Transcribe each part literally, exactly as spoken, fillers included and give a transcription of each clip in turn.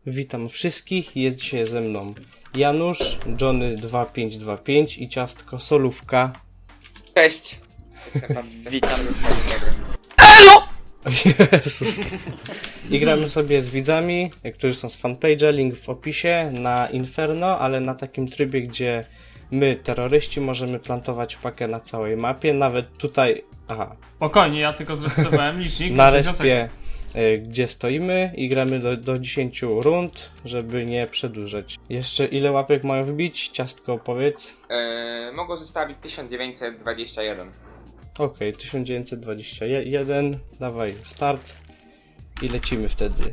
Witam wszystkich, jest dzisiaj ze mną Janusz, Johnny dwa pięć dwa pięć i ciastko Solówka. Cześć! Witam. O Jezus. I gramy sobie z widzami, którzy są z fanpage'a, link w opisie, na Inferno, ale na takim trybie, gdzie my, terroryści, możemy plantować pakę na całej mapie, nawet tutaj, aha, Spokojnie, ja tylko zresetowałem licznik. na dziesięć respie, y, gdzie stoimy i gramy do, do dziesięciu rund, żeby nie przedłużać. Jeszcze ile łapek mają wbić? Ciastko, powiedz. Yy, mogą zostawić tysiąc dziewięćset dwadzieścia jeden. Okej, okay, tysiąc dziewięćset dwadzieścia jeden, dawaj start i lecimy wtedy.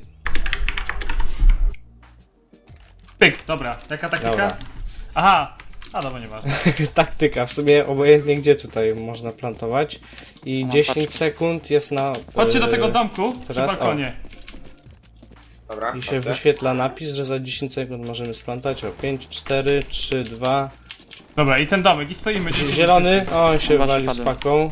Pyk, dobra. Jaka taktyka? Dobra. Aha, a dobra, nieważne. Taktyka, w sumie obojętnie gdzie tutaj można plantować. I No, dziesięć patrz. sekund jest na... Chodźcie do e, tego domku teraz, przy balkonie. Dobra, I się dobrze. wyświetla napis, że za dziesięć sekund możemy splantać. O, pięć, cztery, trzy, dwa... Dobra, i ten domek, i stoimy. dziesięć Zielony, wszyscy. o, on się Właśnie wali z padłem. paką.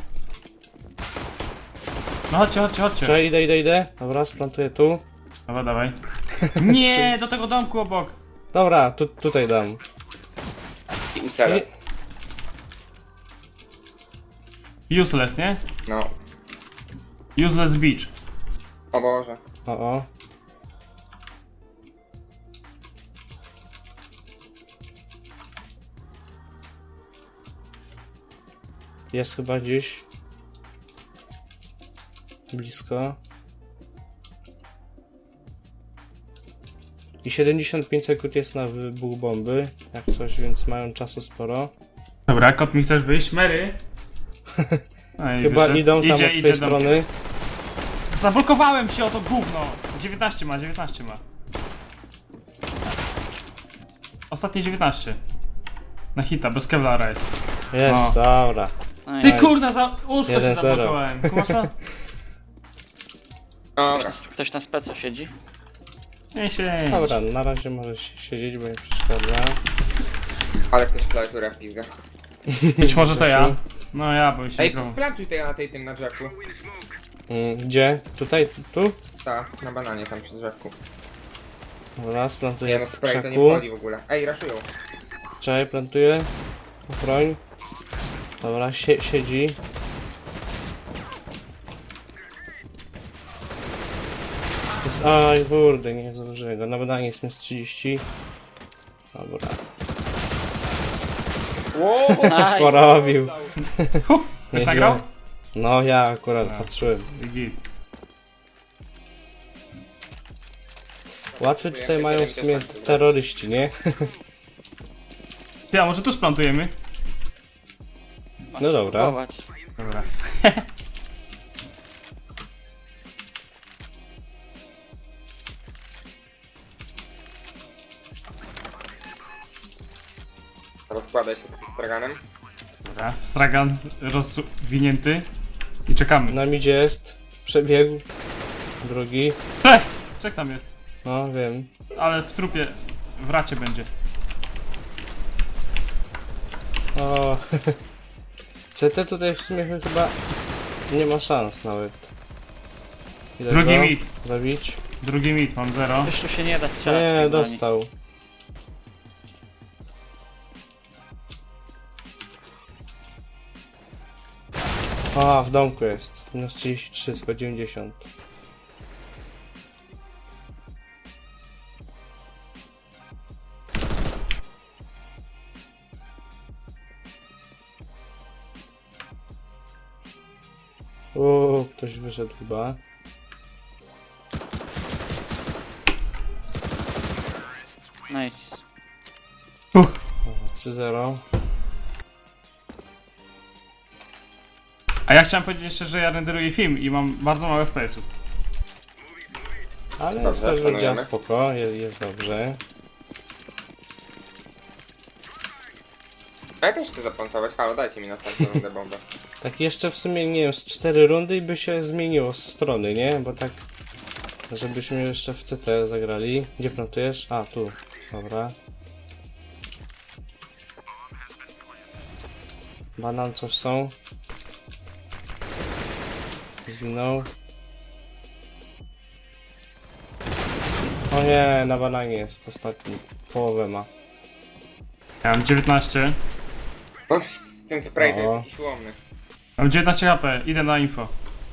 No chodźcie, chodźcie, chodźcie. Czekaj, idę, idę, idę. Dobra, splantuję tu. Dobra, dawaj. Nie, do tego domku obok. Dobra, tu, tutaj dam. I uselę. Useless, nie? No. Useless beach. O Boże. O, o. Jest chyba gdzieś blisko. I siedemdziesiąt pięć sekund jest na wybuch bomby, jak coś, więc mają czasu sporo. Dobra, kot mi chcesz wyjść? Mary? No i Chyba wyszedł. idą tam idzie, od idzie twojej dom- strony. Zablokowałem się o to gówno. dziewiętnaście ma, dziewiętnaście ma. Ostatnie dziewiętnaście. Na hita, bez kevlara jest. Jest, O. dobra. No Ty i Nice. kurna, za łóżko jeden się zero. zablokowałem. Kumasz to? Dobra. ktoś, ktoś na specu siedzi? Nie się. Dobra, na razie możesz siedzieć, bo nie przeszkadza. Ale ktoś klawiaturę pizga. Być może to ja. No ja, bo się Ej, grał. splantuj tutaj na tej tym na drzewku. Mm, Gdzie? Tutaj? Tu? Tak, na bananie tam przy drzewku. Dobra, Nie splantuję no, w spray to nie krzaku. wchodzi w ogóle. Ej, raszują. Czekaj, plantuję. Broń. Dobra, sie siedzi. Jest, aj, kurde, nie zdążyłem go. Na badanie jest minus trzydzieści. Dobra. Wow! Nice. Porobił. Huh, ktoś Nieźle. nagrał? No, ja akurat A. patrzyłem. Git. Łatwy tutaj mają w sumie terroryści, nie? Ty, a może tu splantujemy? No dobra. Spróbować. Dobra. Rozkładaj się z tym straganem. Dobra. Stragan rozwinięty. I czekamy. Na midzie jest. Przebiegł. Drugi. Czek! Czek tam jest. No, wiem. Ale w trupie, w racie będzie. O. C T tutaj w sumie chyba nie ma szans nawet. Ile Drugi go mit. Zabić? Drugi mit, mam zero. Już tu się nie da strzelać. z Nie, tej broni. dostał. A, w domku jest. Minus trzydzieści trzy, sto dziewięćdziesiąt. Uuu, ktoś wyszedł chyba. Nice. trzy zero. A ja chciałem powiedzieć jeszcze, że ja renderuję film i mam bardzo mało F P S-ów. Ale Dobrze, serwer działa planujemy. spoko, jest, jest dobrze. A ja też chcę zaplantować. Halo, dajcie mi następną rundę bombę. Tak jeszcze w sumie, nie wiem, z cztery rundy i by się zmieniło z strony, nie? Bo tak, żebyśmy jeszcze w C T zagrali. Gdzie plantujesz? A, tu. Dobra. Banan, coś są. Zginął. O nie, na bananie jest ostatni. Połowę ma. Ja mam dziewiętnaście. O, ten spray to jest O. jakiś łomny. Mam dziewiętnaście H P, idę na info.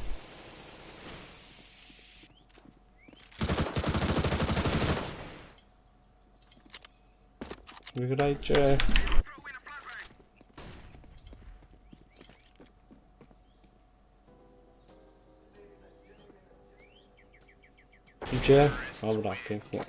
Wygrajcie. Idzie? Dobra, pięknie.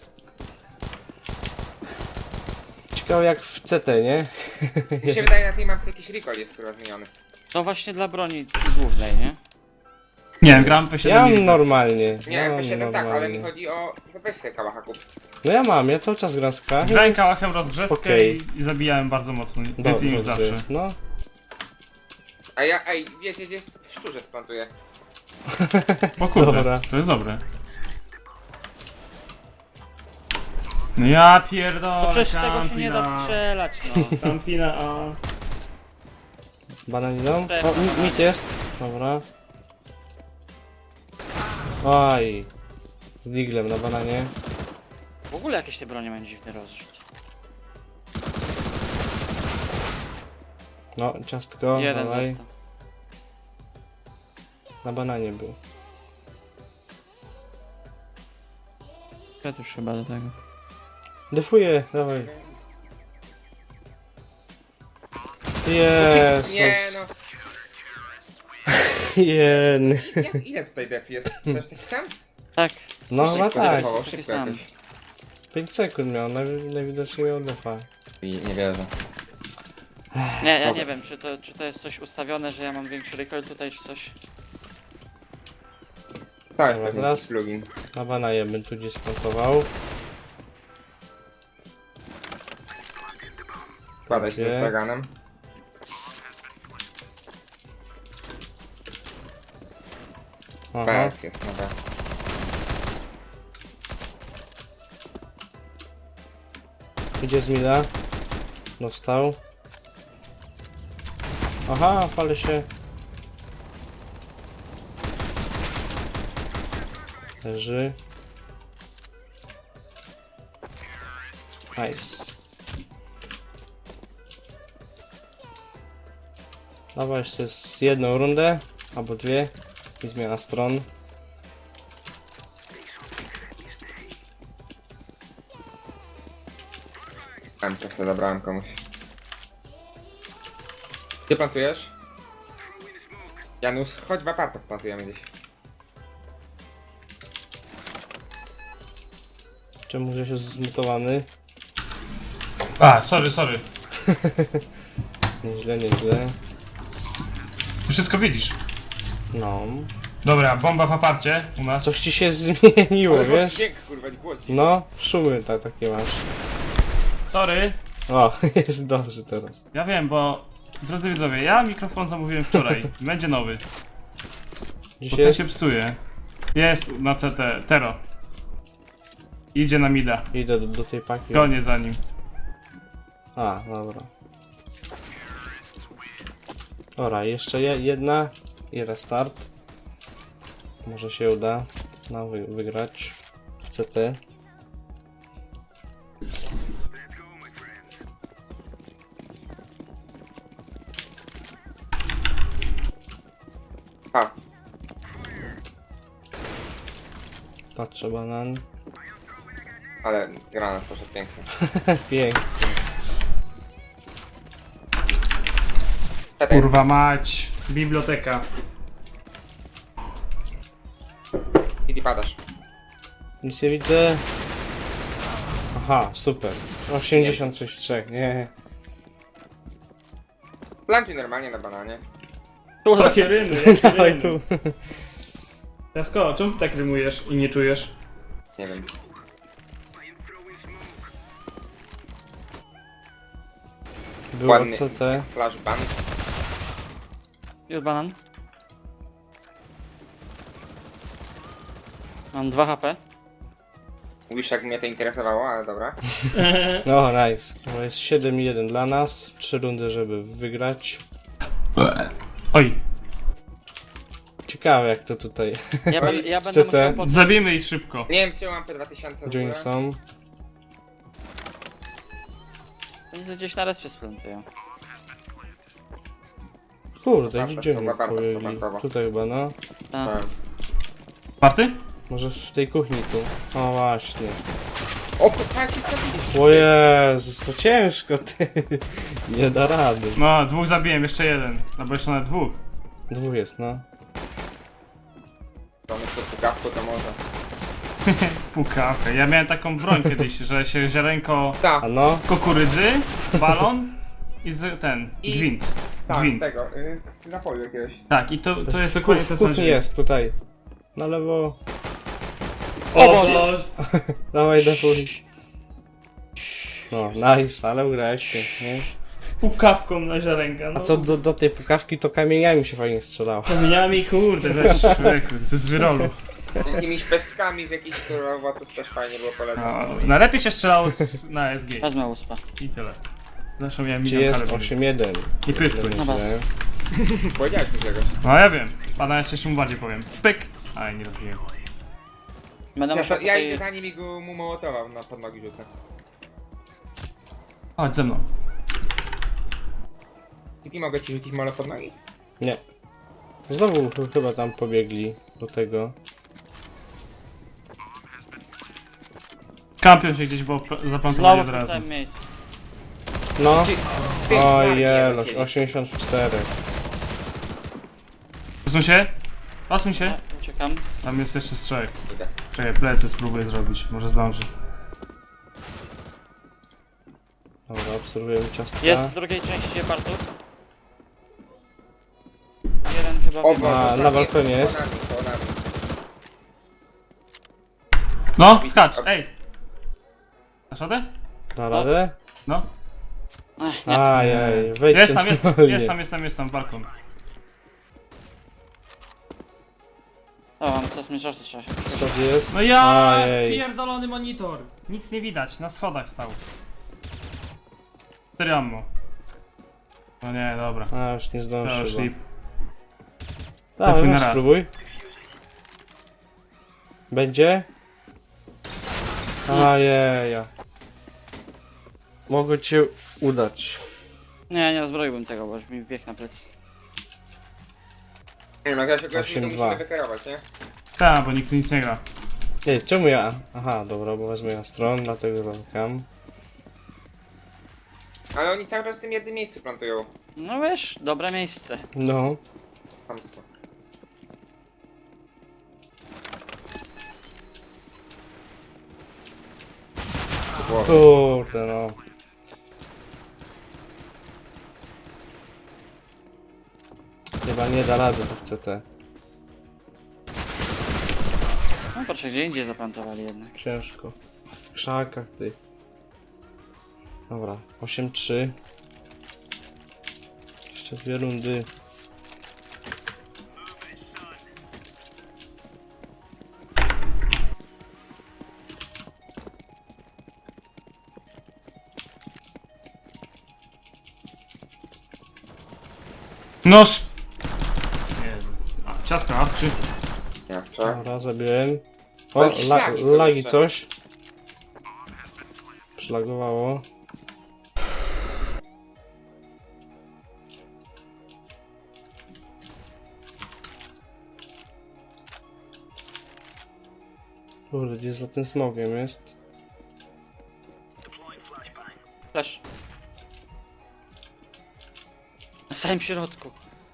Ciekawe jak w C T, nie? Mi się wydaje, na tej mapce jakiś recall jest kurwa zmieniony. To właśnie dla broni głównej, nie? Nie wiem, gram P siedem. Ja nie mam widzę. normalnie. Nie, ja mam P siedem tak, ale normalnie. mi chodzi o... Weź sobie kałacha kup. No ja mam, ja cały czas gram z K. Grałem kałachem rozgrzewkę Okej. i, i zabijałem bardzo mocno. Więcej Dobrze niż zawsze. jest, no. A ja, ej, wiecie, gdzieś w szczurze splantuję. O kurde, Dobra. to jest dobre. No ja pierdolę, To przecież z tego się nie da Campina. strzelać, no. Campina, a... Bananiną? Też O, na mi- bananie. mit jest. Dobra. Oj. Z diglem na bananie. W ogóle jakieś te bronie mają dziwny rozrzut. No, ciastko. Jeden dawaj. został. Na bananie był. Już chyba do tego. Defuję, dawaj. Jezus. Nie no, Jen. jak, ile tutaj def jest? Też taki sam? Tak. No, szybko chyba tak. defował, Szybko taki sam. jakoś. pięć sekund miał, najwi- najwidoczniej miał defa. I nie wierzę. Nie, ja nie wiem, czy to, czy to jest coś ustawione, że ja mam większy recoil tutaj, czy coś. Tak, Dobra, pewnie teraz- jakiś plugin. Na bananie bym tu gdzieś skontował. Kładaj się ze Gdzie? straganem. Aha. P S jest na B. Idzie z mida. Dostał. Aha, fale się. Leży. Nice. Dawaj jeszcze z jedną rundę, albo dwie i zmiana stron. Tam czasem zabrałem komuś. Gdzie plantujesz? Janus, chodź w apartach plantujemy gdzieś. Czemu że się zmutowany? A, sorry, sorry. Nieźle, nieźle. Ty wszystko widzisz. No. Dobra, bomba w aparcie u nas. Coś ci się zmieniło, Ale masz wiesz? dźwięk, kurwa, głos dziwny. No, szumy tak, takie masz. Sorry. O, jest dobrze teraz. Ja wiem, bo... Drodzy widzowie, ja mikrofon zamówiłem wczoraj. Będzie nowy. Bo Dzisiaj ten jest... się psuje. Jest na C T, Tero. Idzie na mida. Idę do, do tej paki. Gonię za nim. A, dobra. Dobra, jeszcze je, jedna i restart. Może się uda nam wy, wygrać w C T. A, Patrzę banan. ale granat poszedł pięknie. Pięknie. Co to jest? Kurwa mać. Biblioteka. Kiedy padasz? Nic nie widzę. Aha, super. osiemdziesiąt sześć trzy, nie. Plantuj normalnie na bananie. Jakie rymy, jakie Dawaj rymy. tu. Jasko, czemu ty tak rymujesz i nie czujesz? Nie wiem. Było Ładny. C T. Flashbang. Już banan. Mam dwa H P. Mówisz, jak mnie to interesowało, ale dobra. No, nice. To jest siedem jeden dla nas. Trzy rundy, żeby wygrać. Oj. Ciekawe jak to tutaj. Ja, ben, ja C będę T. musiał pod... Zabijmy ich szybko. Nie wiem, czy mam P dwa tysiące w Gdzie oni ogóle. są? Oni sobie gdzieś na respie splantują. Kurde, Warto, gdzie oni chyba warto, pojęli? chyba. Tutaj chyba, no. Tak. Tak. Party? Może w tej kuchni tu. O właśnie. O, jak się stawiliście? O Jezus, to ciężko, ty. Nie da rady. No, dwóch zabiłem, jeszcze jeden. No bo jeszcze nawet dwóch. Dwóch jest, no. To myślę, że gawku to może. Pukawkę. Ja miałem taką broń kiedyś, że się ziarenko Tak, A no? kukurydzy, balon i z, ten, I z- gwint. tak, z Gwint. tego, y, z napoju jakiegoś. Tak, i to, to jest w, dokładnie w to samo. kuchni jest, tutaj. Na lewo. O Boże! Dawaj, defuj. No, nice, ale ugrałeś pięknie. Pukawką na ziarenka. No. A co do, do tej pukawki, to kamieniami się fajnie strzelało. Kamieniami, kurde, weź człowieku, to jest wyrolu. Jakimiś pestkami z jakichś które owoców też fajnie było polecać. No, najlepiej się strzelało z, na S G. Wezmę uspa. I tyle. Zresztą miałem Czy milion jest kalorii. osiem jeden? I pyskuj. Dobra. Powiedziałeś mi czegoś. No ja wiem. Pana jeszcze się mu bardziej powiem. Pyk! Aj, nie robiłem. Będę Ja, musiał to, ja tutaj... idę za nim i go mu mołotował na pod nogi rzucę. Chodź ze mną. Tiki, mogę ci rzucić molo pod nogi? Nie. Znowu ch- chyba tam pobiegli do tego. Kampion się gdzieś, bo pl- zaplantowali Znowu od w tym razu. samym miejscu. No. Ty, ty, O Marii, jeloś, jeden osiemdziesiąt cztery. Posuń się. Posuń się. Ja uciekam. Tam jest jeszcze strzech. Idę. Czekaj, plecy spróbuję zrobić. Może zdąży. Dobra, obserwujemy ciastka. Jest w drugiej części partu. Jeden chyba O, biegł. bo Na- ostatni- na balkonie jest. Po nami, po nami. No, skacz, ej! Dasz radę? Da radę? No. Ech, nie. Ajaj, wejdźcie Jest tam, jest, normalnie. jest tam, jest tam, jest tam, balkon. O, mam co zmierzać, trzeba się... Skąd jest? No ja! Ajej. Pierdolony monitor! Nic nie widać, na schodach stał. cztery ammo. No nie, dobra. A, już nie To zdążę już chyba. lip. Dawaj, Tylko na weź raz. spróbuj. Będzie? Ajeja. Mogę cię udać. Nie, nie rozbroiłbym tego, bo już mi wbiegł na plecy. Nie wiem, jak ja się go osiem to dwa. musimy wykierować, nie? Tak, bo nikt tu nic nie gra. Ej, czemu ja? Aha, dobra, bo wezmę ja stron, dlatego zamykam. Ale oni cały czas w tym jednym miejscu plantują. No wiesz, dobre miejsce. No. Chamsko. Kurde no. Chyba nie da rady to w C T. No patrzę, gdzie indziej zaplantowali jednak. Ciężko. W krzakach ty. Dobra, osiem trzy. Jeszcze dwie rundy. Noż! Jezu. A, ciasko, a, czy... Ja wczoraj. Dobra, zabiłem. O, O, jakieś la lagi są lagi jeszcze. coś. Przylagowało. Kurde, gdzie za tym smogiem jest? Flash. Na samym środku.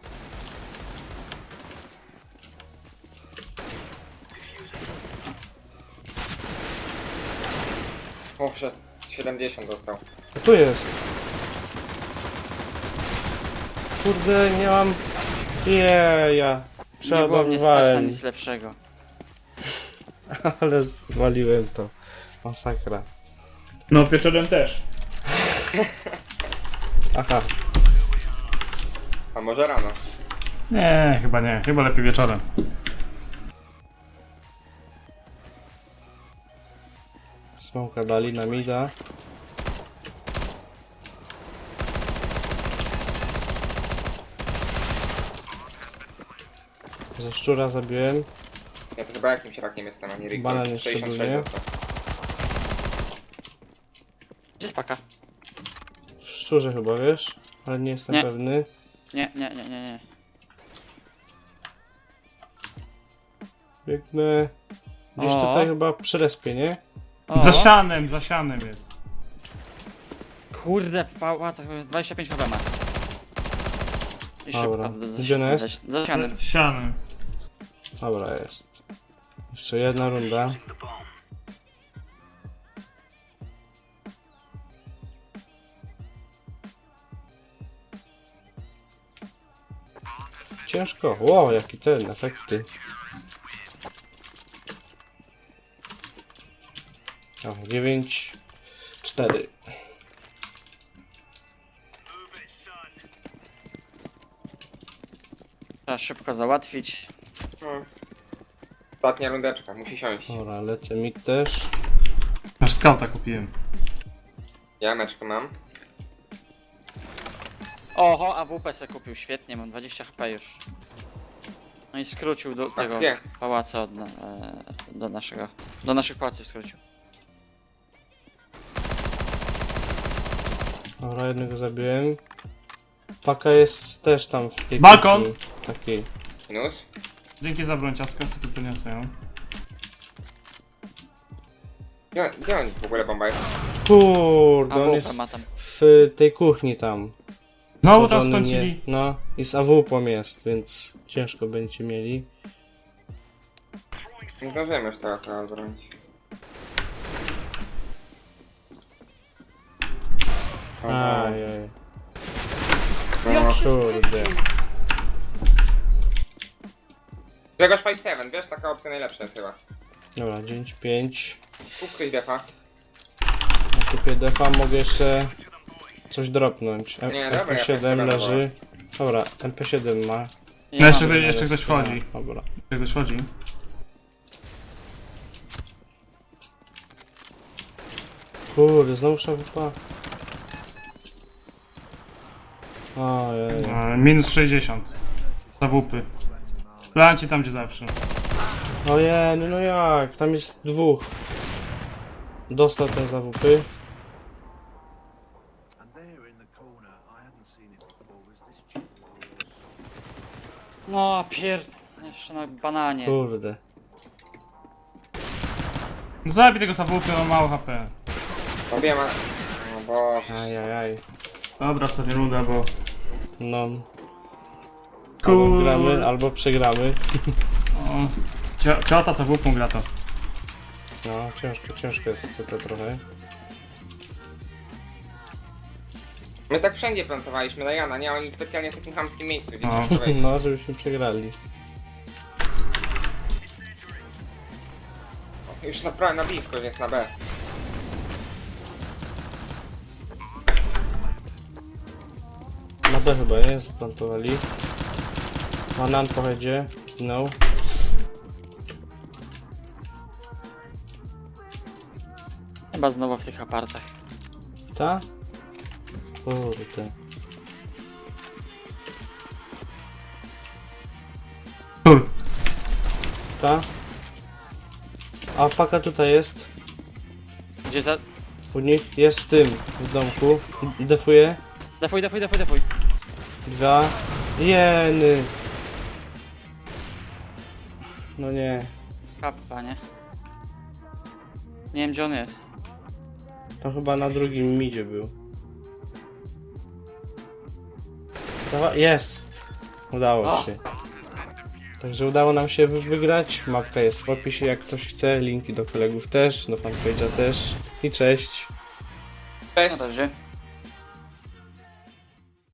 O, przed siedemdziesiąt dostał. A tu jest. Kurde, nie mam... Jeja. Nie było mnie stać na Przeładowywałem, nic lepszego. ale zwaliłem to. Masakra. No, wieczorem też. Aha, A może rano? Nie, chyba nie. Chyba lepiej wieczorem. smoka dali na mida. Ze szczura zabiłem. Ja to chyba jakimś rakiem jestem, a nie Rick. Banan jeszcze sześćdziesiąt był, sześć nie? dostał. Gdzie jest paka? W szczurze chyba, wiesz? Ale nie jestem Nie. pewny. Nie, nie, nie, nie, nie. Biegnę. Gdzieś O. tutaj chyba przy respie, nie? O, Za sianem, za sianem jest. kurde, w pałacach jest dwadzieścia pięć chyba ma. I Dobra. szybko. za- Gdzie ona jest? za- Za ścianem. Sianem. Dobra, jest. Jeszcze jedna runda. Ciężko. Wow, jaki ten, efekty. O, dziewięć, cztery. Trzeba szybko załatwić. No. Ostatnia rundeczka, musi siąść. Dobra, lecę mi też. Aż skauta kupiłem. Ja meczkę mam. Oho, A W P se kupił, świetnie, mam dwadzieścia H P już. No i skrócił do tego gdzie? pałaca od, na- e, do naszego, do naszych pałaców skrócił. Dobra, jednego zabiłem. Paka jest też tam w tej Balkon! kuchni takiej. Minus. Dzięki za broń, ciastka, sobie tu podniosę ją. Gdzie, gdzie on w ogóle bomba jest? Kurde, on A W P jest ma tam. w tej kuchni tam. Znowu tam Wsadzony skończyli. nie- No, i z A W P jest, więc ciężko będziecie mieli. Nie zdążyłem już tego chyba bronić. Ajaj, No. kurde. Grzegorz pięć siedem, wiesz, taka opcja najlepsza jest chyba. Dobra, dziewięć pięć. Kup ktoś defa. Na kupię defa mogę jeszcze coś dropnąć. M- Nie, dobra, M P ja siedem tak sobie leży. Dobra, M P siedem ma. No jeszcze, mam. jeszcze ktoś wchodzi. Dobra. Jeszcze ktoś wchodzi. Kurde, znowu szafpa. Ojej. E, minus sześćdziesiąt. Zawupy. Plancie tam gdzie zawsze. Ojej, no jak? Tam jest dwóch. Dostał ten zawupy. And there in the corner, I hadn't seen it before, was this chip of yours. No pier... jeszcze na bananie. Kurde. No zabij tego zawupy, on mało H P. Obie ma... No bo... Ajajaj. Dobra, ostatnia runda, bo... No. Albo Kur- gramy, albo przegramy. O, cio- ciota zawupą gra to. No, ciężko, ciężko jest C T trochę. My tak wszędzie plantowaliśmy na Jana, nie? Oni specjalnie w takim chamskim miejscu, gdzie No. ciężko wejść. No, żebyśmy przegrali. Już na, pra- na blisko, więc na B. Na B chyba, nie? Zaplantowali. Banan po headzie. No. Chyba znowu w tych apartach. Ta? Kurde. Tur. Ta? A paka tutaj jest. Gdzie za... U nich jest w tym, w domku. Defuje. Defuj, defuj, defuj, defuj. Dwa. Jeny. No nie. Kappa, nie? Nie wiem gdzie on jest. To chyba na drugim midzie był. Dawa- Jest! Udało O! się. Także udało nam się wy- wygrać. Mapka jest w opisie, jak ktoś chce. Linki do kolegów też, do fanpage'a też. I cześć! No Cześć! dobrze.